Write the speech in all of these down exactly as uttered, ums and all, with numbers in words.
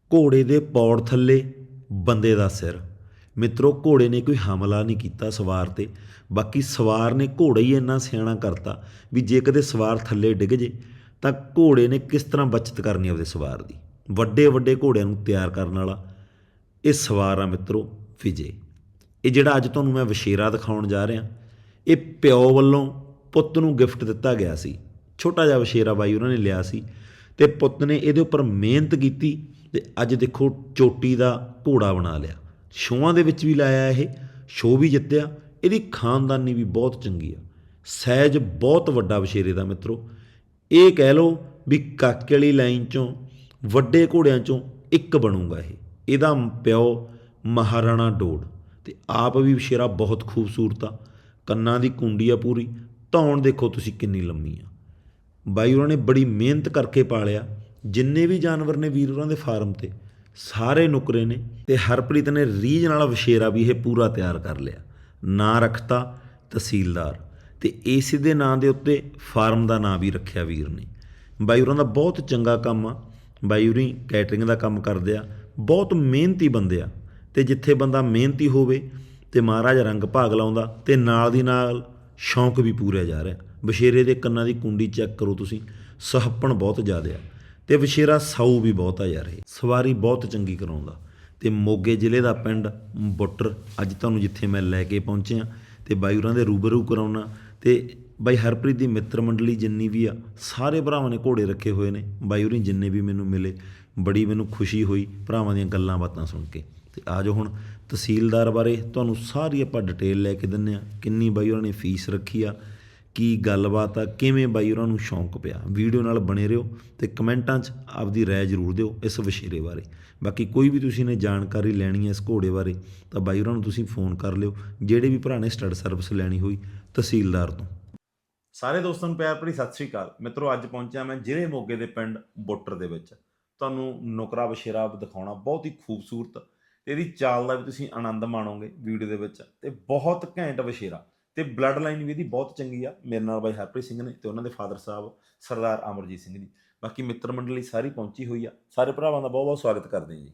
ਘੋੜੇ ਦੇ ਪੌੜ ਥੱਲੇ ਬੰਦੇ ਦਾ ਸਿਰ। ਮਿੱਤਰੋ, ਘੋੜੇ ਨੇ ਕੋਈ ਹਮਲਾ ਨਹੀਂ ਕੀਤਾ ਸਵਾਰ 'ਤੇ, ਬਾਕੀ ਸਵਾਰ ਨੇ ਘੋੜਾ ਹੀ ਇੰਨਾ ਸਿਆਣਾ ਕਰਤਾ ਵੀ ਜੇ ਕਦੇ ਸਵਾਰ ਥੱਲੇ ਡਿੱਗ ਜੇ ਤਾਂ ਘੋੜੇ ਨੇ ਕਿਸ ਤਰ੍ਹਾਂ ਬੱਚਤ ਕਰਨੀ ਆਪਦੇ ਸਵਾਰ ਦੀ। ਵੱਡੇ ਵੱਡੇ ਘੋੜਿਆਂ ਨੂੰ ਤਿਆਰ ਕਰਨ ਵਾਲਾ ਇਹ ਸਵਾਰ ਆ ਮਿੱਤਰੋ ਵਿਜੇ। ਇਹ ਜਿਹੜਾ ਅੱਜ ਤੁਹਾਨੂੰ ਮੈਂ ਵਛੇਰਾ ਦਿਖਾਉਣ ਜਾ ਰਿਹਾ, ਇਹ ਪਿਓ ਵੱਲੋਂ ਪੁੱਤ ਨੂੰ ਗਿਫਟ ਦਿੱਤਾ ਗਿਆ ਸੀ। ਛੋਟਾ ਜਿਹਾ ਵਛੇਰਾ ਬਾਈ ਉਹਨਾਂ ਨੇ ਲਿਆ ਸੀ ਅਤੇ ਪੁੱਤ ਨੇ ਇਹਦੇ ਉੱਪਰ ਮਿਹਨਤ ਕੀਤੀ ਅਤੇ ਅੱਜ ਦੇਖੋ ਚੋਟੀ ਦਾ ਘੋੜਾ ਬਣਾ ਲਿਆ। ਸ਼ੋਆਂ ਦੇ ਵਿੱਚ ਵੀ ਲਾਇਆ, ਇਹ ਸ਼ੋਅ ਵੀ ਜਿੱਤਿਆ। ਇਹਦੀ ਖਾਨਦਾਨੀ ਵੀ ਬਹੁਤ ਚੰਗੀ ਆ, ਸਾਈਜ਼ ਬਹੁਤ ਵੱਡਾ ਵਛੇਰੇ ਦਾ ਮਿੱਤਰੋ। ਇਹ ਕਹਿ ਲਓ ਵੀ ਕਾਕੇ ਵਾਲੀ ਲਾਈਨ 'ਚੋਂ ਵੱਡੇ ਘੋੜਿਆਂ 'ਚੋਂ ਇੱਕ ਬਣੂਗਾ ਇਹ। ਇਹਦਾ ਪਿਓ ਮਹਾਰਾਣਾ ਡੋਡ ਅਤੇ ਆਪ ਵੀ ਵਛੇਰਾ ਬਹੁਤ ਖੂਬਸੂਰਤ ਆ। ਕੰਨਾਂ ਦੀ ਕੁੰਡੀ ਆ ਪੂਰੀ, ਧੌਣ ਦੇਖੋ ਤੁਸੀਂ ਕਿੰਨੀ ਲੰਮੀ ਆ। ਬਾਈ ਉਹਨਾਂ ਨੇ ਬੜੀ ਮਿਹਨਤ ਕਰਕੇ ਪਾਲਿਆ। ਜਿੰਨੇ ਵੀ ਜਾਨਵਰ ਨੇ ਵੀਰ ਉਹਨਾਂ ਦੇ ਫਾਰਮ 'ਤੇ ਸਾਰੇ ਨੁਕਰੇ ਨੇ, ਅਤੇ ਹਰਪ੍ਰੀਤ ਨੇ ਰੀਝ ਨਾਲ ਵਛੇਰਾ ਵੀ ਇਹ ਪੂਰਾ ਤਿਆਰ ਕਰ ਲਿਆ। ਨਾਂ ਰੱਖਤਾ ਤਹਿਸੀਲਦਾਰ, ਅਤੇ ਇਸ ਦੇ ਨਾਂ ਦੇ ਉੱਤੇ ਫਾਰਮ ਦਾ ਨਾਂ ਵੀ ਰੱਖਿਆ ਵੀਰ ਨੇ। ਬਾਈ ਉਹਨਾਂ ਦਾ ਬਹੁਤ ਚੰਗਾ ਕੰਮ ਆ। ਬਾਈ ਉਰੀ ਕੈਟਰਿੰਗ ਦਾ ਕੰਮ ਕਰਦੇ ਆ, ਬਹੁਤ ਮਿਹਨਤੀ ਬੰਦੇ ਆ। ਅਤੇ ਜਿੱਥੇ ਬੰਦਾ ਮਿਹਨਤੀ ਹੋਵੇ ਅਤੇ ਮਹਾਰਾਜ ਰੰਗ ਭਾਗ ਲਾਉਂਦਾ, ਅਤੇ ਨਾਲ ਦੀ ਨਾਲ ਸ਼ੌਂਕ ਵੀ ਪੂਰਿਆ ਜਾ ਰਿਹਾ। ਵਛੇਰੇ ਦੇ ਕੰਨਾਂ ਦੀ ਕੁੰਡੀ ਚੈੱਕ ਕਰੋ ਤੁਸੀਂ, ਸੁਹੱਪਣ ਬਹੁਤ ਜ਼ਿਆਦਾ ਆ, ਅਤੇ ਵਛੇਰਾ ਸਾਊ ਵੀ ਬਹੁਤ ਆ ਯਾਰ। ਇਹ ਸਵਾਰੀ ਬਹੁਤ ਚੰਗੀ ਕਰਾਉਂਦਾ। ਅਤੇ ਮੋਗੇ ਜ਼ਿਲ੍ਹੇ ਦਾ ਪਿੰਡ ਬੁੱਟਰ ਅੱਜ ਤੁਹਾਨੂੰ ਜਿੱਥੇ ਮੈਂ ਲੈ ਕੇ ਪਹੁੰਚਿਆ, ਅਤੇ ਬਾਈ ਉਹਨਾਂ ਦੇ ਰੂਬਰੂ ਕਰਾਉਣਾ। ਅਤੇ ਬਾਈ ਹਰਪ੍ਰੀਤ ਦੀ ਮਿੱਤਰ ਮੰਡਲੀ ਜਿੰਨੀ ਵੀ ਆ, ਸਾਰੇ ਭਰਾਵਾਂ ਨੇ ਘੋੜੇ ਰੱਖੇ ਹੋਏ ਨੇ। ਬਾਈ ਉਰੀ ਜਿੰਨੇ ਵੀ ਮੈਨੂੰ ਮਿਲੇ, ਬੜੀ ਮੈਨੂੰ ਖੁਸ਼ੀ ਹੋਈ ਭਰਾਵਾਂ ਦੀਆਂ ਗੱਲਾਂ ਬਾਤਾਂ ਸੁਣ ਕੇ। ਅਤੇ ਆ ਜਾਓ ਹੁਣ ਤਹਿਸੀਲਦਾਰ ਬਾਰੇ ਤੁਹਾਨੂੰ ਸਾਰੀ ਆਪਾਂ ਡਿਟੇਲ ਲੈ ਕੇ ਦਿੰਦੇ ਹਾਂ। ਕਿੰਨੀ ਬਾਈ ਉਹਨਾਂ ਨੇ ਫੀਸ ਰੱਖੀ ਆ, ਕੀ ਗੱਲਬਾਤ ਆ, ਕਿਵੇਂ ਬਾਈ ਉਹਨਾਂ ਨੂੰ ਸ਼ੌਂਕ ਪਿਆ। ਵੀਡੀਓ ਨਾਲ ਬਣੇ ਰਹੋ ਅਤੇ ਕਮੈਂਟਾਂ 'ਚ ਆਪਦੀ ਰਾਏ ਜ਼ਰੂਰ ਦਿਓ ਇਸ ਵਛੇਰੇ ਬਾਰੇ। ਬਾਕੀ ਕੋਈ ਵੀ ਤੁਸੀਂ ਨੇ ਜਾਣਕਾਰੀ ਲੈਣੀ ਹੈ ਇਸ ਘੋੜੇ ਬਾਰੇ ਤਾਂ ਬਾਈ ਉਹਨਾਂ ਨੂੰ ਤੁਸੀਂ ਫੋਨ ਕਰ ਲਿਓ, ਜਿਹੜੇ ਵੀ ਭਰਾ ਨੇ ਸਟੱਡ ਸਰਵਿਸ ਲੈਣੀ ਹੋਈ ਤਹਿਸੀਲਦਾਰ ਤੋਂ। ਸਾਰੇ ਦੋਸਤਾਂ ਨੂੰ ਪਿਆਰ ਭਰੀ ਸਤਿ ਸ਼੍ਰੀ ਅਕਾਲ। ਮਿੱਤਰੋ, ਅੱਜ ਪਹੁੰਚਿਆ ਮੈਂ ਜ਼ਿਲ੍ਹੇ ਮੋਗੇ ਦੇ ਪਿੰਡ ਬੁੱਟਰ ਦੇ ਵਿੱਚ। ਤੁਹਾਨੂੰ ਨੁਕਰਾ ਵਛੇਰਾ ਦਿਖਾਉਣਾ, ਬਹੁਤ ਹੀ ਖੂਬਸੂਰਤ, ਅਤੇ ਇਹਦੀ ਚਾਲ ਦਾ ਵੀ ਤੁਸੀਂ ਆਨੰਦ ਮਾਣੋਗੇ ਵੀਡੀਓ ਦੇ ਵਿੱਚ। ਅਤੇ ਬਹੁਤ ਘੈਂਟ ਵਛੇਰਾ, ਅਤੇ ਬਲੱਡ ਲਾਈਨ ਵੀ ਇਹਦੀ ਬਹੁਤ ਚੰਗੀ ਆ। ਮੇਰੇ ਨਾਲ ਬਾਈ ਹਰਪ੍ਰੀਤ ਸਿੰਘ ਨੇ ਅਤੇ ਉਹਨਾਂ ਦੇ ਫਾਦਰ ਸਾਹਿਬ ਸਰਦਾਰ ਅਮਰਜੀਤ ਸਿੰਘ ਜੀ। ਬਾਕੀ ਮਿੱਤਰ ਮੰਡਲੀ ਸਾਰੀ ਪਹੁੰਚੀ ਹੋਈ ਆ। ਸਾਰੇ ਭਰਾਵਾਂ ਦਾ ਬਹੁਤ ਬਹੁਤ ਸਵਾਗਤ ਕਰਦੇ ਹਾਂ ਜੀ।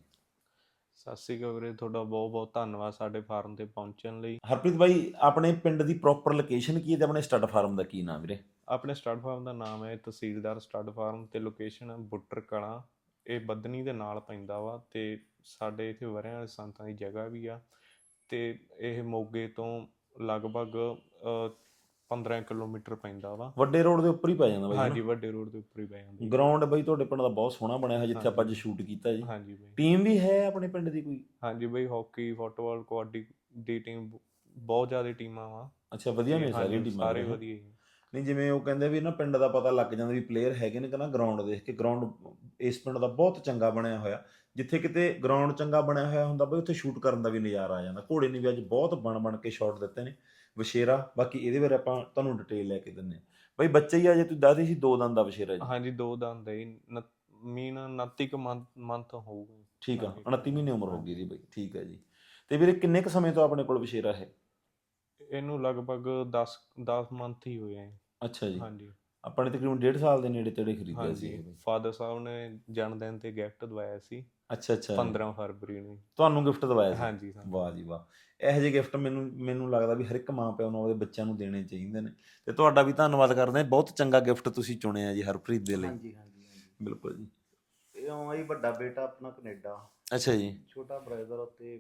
ਸਤਿ ਸ਼੍ਰੀ ਅਕਾਲ ਵੀਰੇ, ਤੁਹਾਡਾ ਬਹੁਤ ਬਹੁਤ ਧੰਨਵਾਦ ਸਾਡੇ ਫਾਰਮ 'ਤੇ ਪਹੁੰਚਣ ਲਈ। ਹਰਪ੍ਰੀਤ ਬਾਈ, ਆਪਣੇ ਪਿੰਡ ਦੀ ਪ੍ਰੋਪਰ ਲੋਕੇਸ਼ਨ ਕੀ ਹੈ ਅਤੇ ਆਪਣੇ ਸਟੱਡ ਫਾਰਮ ਦਾ ਕੀ ਨਾਮ ਵੀਰੇ? ਆਪਣੇ ਸਟੱਡ ਫਾਰਮ ਦਾ ਨਾਮ ਹੈ ਤਹਿਸੀਲਦਾਰ ਸਟੱਡ ਫਾਰਮ, ਅਤੇ ਲੋਕੇਸ਼ਨ ਹੈ ਬੁੱਟਰ ਕਲਾਂ। ਇਹ ਬੱਧਨੀ ਦੇ ਨਾਲ ਪੈਂਦਾ ਵਾ, ਅਤੇ ਸਾਡੇ ਇੱਥੇ ਵਰਿਆਂ ਵਾਲੇ ਸੰਤਾਂ ਦੀ ਜਗ੍ਹਾ ਵੀ ਆ। ਅਤੇ ਇਹ ਮੋਗੇ ਤੋਂ ਲਗਭਗ ਪੰਦਰਾਂ ਕਿਲੋਮੀਟਰ ਪੈਂਦਾ ਵਾ। ਵੱਡੇ ਰੋਡ ਦੇ ਉੱਪਰ ਹੀ ਪੈ ਜਾਂਦਾ ਬਾਈ? ਹਾਂਜੀ, ਵੱਡੇ ਰੋਡ ਦੇ ਉੱਪਰ ਹੀ ਪੈ ਜਾਂਦਾ। ਗਰਾਊਂਡ ਬਾਈ ਤੁਹਾਡੇ ਪਿੰਡ ਦਾ ਬਹੁਤ ਸੋਹਣਾ ਬਣਿਆ ਹੋਇਆ, ਜਿੱਥੇ ਆਪਾਂ ਅੱਜ ਸ਼ੂਟ ਕੀਤਾ ਜੀ। ਹਾਂਜੀ ਬਾਈ। ਟੀਮ ਵੀ ਹੈ ਆਪਣੇ ਪਿੰਡ ਦੀ ਕੋਈ? ਹਾਂਜੀ ਬਾਈ, ਹਾਕੀ, ਫੁੱਟਬਾਲ, ਕਬੱਡੀ ਦੀ ਟੀਮ, ਬਹੁਤ ਜ਼ਿਆਦਾ ਟੀਮਾਂ ਵਾ। ਅੱਛਾ, ਵਧੀਆ ਨੇ ਸਾਰੀਆਂ ਟੀਮਾਂ? ਸਾਰੇ ਵਧੀਆ ਜੀ। ਨਹੀਂ, ਜਿਵੇਂ ਉਹ ਕਹਿੰਦੇ ਵੀ ਨਾ ਪਿੰਡ ਦਾ ਪਤਾ ਲੱਗ ਜਾਂਦਾ ਵੀ ਪਲੇਅਰ ਹੈਗੇ ਨੇ, ਕਹਿੰਦਾ ਗਰਾਊਂਡ ਦੇਖ ਕੇ। ਗਰਾਊਂਡ ਇਸ ਪਿੰਡ ਦਾ ਬਹੁਤ ਚੰਗਾ ਬਣਿਆ ਹੋਇਆ। ਜਿੱਥੇ ਕਿਤੇ ਗਰਾਊਂਡ ਚੰਗਾ ਬਣਿਆ ਹੋਇਆ ਹੁੰਦਾ ਬਈ, ਉੱਥੇ ਸ਼ੂਟ ਕਰਨ ਦਾ ਵੀ ਨਜ਼ਾਰਾ ਆ ਜਾਂਦਾ। ਘੋੜੇ ਨੇ ਵੀ ਅੱਜ ਬਹੁਤ ਬਣ ਬਣ ਕੇ ਸ਼ਾਟ ਦਿੱਤੇ ਨੇ। ਵਛੇਰਾ, ਬਾਕੀ ਇਹਦੇ ਬਾਰੇ ਆਪਾਂ ਤੁਹਾਨੂੰ ਡਿਟੇਲ ਲੈ ਕੇ ਦਿੰਦੇ ਹਾਂ। ਬਈ ਬੱਚੇ ਹੀ ਆ, ਜੇ ਤੁਸੀਂ ਦੱਸਦੇ ਸੀ ਦੋ ਦੰਦ ਦਾ ਵਛੇਰਾ ਜੀ? ਹਾਂਜੀ, ਦੋ ਦੰਦ ਹੈ ਜੀ। ਮੀਨ ਉਨੱਤੀ ਕੁ ਮੰਥ ਮੰਥ ਹੋਊਗਾ। ਠੀਕ ਆ, ਉਨੱਤੀ ਮਹੀਨੇ ਉਮਰ ਹੋ ਗਈ ਇਹਦੀ ਬਈ। ਠੀਕ ਹੈ ਜੀ। ਅਤੇ ਵੀਰੇ ਕਿੰਨੇ ਕੁ ਸਮੇਂ ਤੋਂ ਆਪਣੇ ਕੋਲ ਵਛੇਰਾ ਹੈ? ਇਹਨੂੰ ਲਗਭਗ ਦਸ ਦਸ ਮੰਥ ਹੀ ਹੋਏ ਆ। ਅੱਛਾ ਜੀ। ਹਾਂਜੀ। ਆਪਾਂ ਨੇ ਤਕਰੀਬਨ ਡੇਢ ਸਾਲ ਦੇ ਨੇੜੇ ਤੇੜੇ ਖਰੀਦਿਆ ਸੀ ਇਹ ਹਾਂਜੀ, ਬਈ। ਫਾਦਰ ਸਾਹਿਬ ਨੇ ਜਨਮ ਦਿਨ 'ਤੇ ਗਿਫਟ ਦਵਾਇਆ ਸੀ। ਅੱਛਾ ਅੱਛਾ। ਪੰਦਰਾਂ ਫਰਵਰੀ ਨੂੰ ਤੁਹਾਨੂੰ ਗਿਫਟ ਦਵਾਇਆ ਸੀ? ਹਾਂਜੀ। ਵਾਹ ਜੀ ਵਾਹ। ਇਹੋ ਜਿਹੇ ਗਿਫਟ ਮੈਨੂੰ ਮੈਨੂੰ ਲੱਗਦਾ ਵੀ ਹਰ ਇੱਕ ਮਾਂ ਪਿਓ ਨੂੰ ਆਪਦੇ ਬੱਚਿਆਂ ਨੂੰ ਦੇਣੇ ਚਾਹੀਦੇ ਨੇ। ਅਤੇ ਤੁਹਾਡਾ ਵੀ ਧੰਨਵਾਦ ਕਰਦੇ ਹਾਂ, ਬਹੁਤ ਚੰਗਾ ਗਿਫਟ ਤੁਸੀਂ ਚੁਣਿਆ ਜੀ ਹਰਪ੍ਰੀਤ ਦੇ ਲਈ। ਹਾਂਜੀ ਹਾਂਜੀ ਹਾਂਜੀ। ਬਿਲਕੁਲ ਜੀ। ਇਹ ਆ ਜੀ ਵੱਡਾ ਬੇਟਾ ਆਪਣਾ ਕੈਨੇਡਾ, ਅੱਛਾ ਜੀ। ਛੋਟਾ ਬ੍ਰਦਰ, ਅਤੇ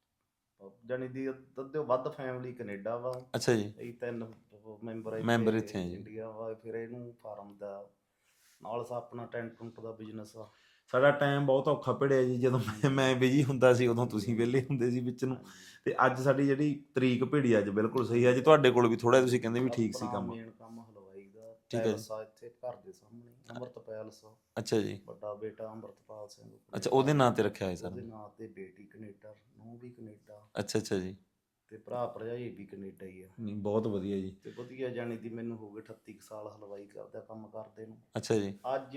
ਜਾਣੀ ਦੀ ਅੱਧੇ ਵੱਧ ਫੈਮਿਲੀ ਕੈਨੇਡਾ ਵਾ। ਅੱਛਾ ਜੀ। ਅਸੀਂ ਤਿੰਨ ਮੈਂਬਰ ਮੈਂਬਰ ਇੱਥੇ ਆ ਜੀ। ਇੰਡੀਆ ਵਾ। ਫਿਰ ਇਹਨੂੰ ਫਾਰਮ ਦਾ ਨਾਲ ਆਪਣਾ ਟੈਂਟ ਟੁੰਟ ਦਾ ਬਿਜ਼ਨਸ ਆ। ਸਾਡਾ ਟਾਈਮ ਬਹੁਤ ਔਖਾ ਭਿੜਿਆ ਜੀ। ਜਦੋਂ ਮੈਂ ਮੈਂ ਬਿਜੀ ਹੁੰਦਾ ਸੀ, ਉਦੋਂ ਤੁਸੀਂ ਵਿਹਲੇ ਹੁੰਦੇ ਸੀ ਵਿੱਚ ਨੂੰ। ਅਤੇ ਅੱਜ ਸਾਡੀ ਜਿਹੜੀ ਤਰੀਕ ਭਿੜੀ ਅੱਜ ਬਿਲਕੁਲ ਸਹੀ। ਅੱਜ ਤੁਹਾਡੇ ਕੋਲ ਵੀ ਥੋੜ੍ਹਾ ਤੁਸੀਂ ਕਹਿੰਦੇ ਵੀ ਠੀਕ ਸੀ ਕੰਮ? ਮੇਨ ਕੰਮ ਹਲਵਾਈ ਦਾ। ਠੀਕ ਹੈ ਜੀ। ਪੈਲਸ ਆ ਇੱਥੇ ਘਰ ਦੇ ਸਾਹਮਣੇ, ਅੰਮ੍ਰਿਤ ਪੈਲਸ। ਅੱਛਾ ਜੀ। ਵੱਡਾ ਬੇਟਾ ਅੰਮ੍ਰਿਤਪਾਲ ਸਿੰਘ। ਅੱਛਾ, ਉਹਦੇ ਨਾਂ 'ਤੇ ਰੱਖਿਆ ਹੋਇਆ ਸਰ? ਉਹਦੇ ਨਾਂ 'ਤੇ। ਬੇਟੀ ਕੈਨੇਡਾ, ਨੂੰਹ ਵੀ ਕੈਨੇਡਾ। ਅੱਛਾ ਅੱਛਾ ਜੀ। ਅਤੇ ਭਰਾ ਭਰਜਾਈ ਵੀ ਕੈਨੇਡਾ ਹੀ ਆ। ਨਹੀਂ, ਬਹੁਤ ਵਧੀਆ ਜੀ। ਅਤੇ ਵਧੀਆ, ਜਾਣੀ ਦੀ ਮੈਨੂੰ ਹੋ ਗਏ ਅਠੱਤੀ ਕੁ ਸਾਲ ਹਲਵਾਈ ਕਰਦਾ ਕੰਮ ਕਰਦੇ ਨੂੰ। ਅੱਛਾ ਜੀ। ਅੱਜ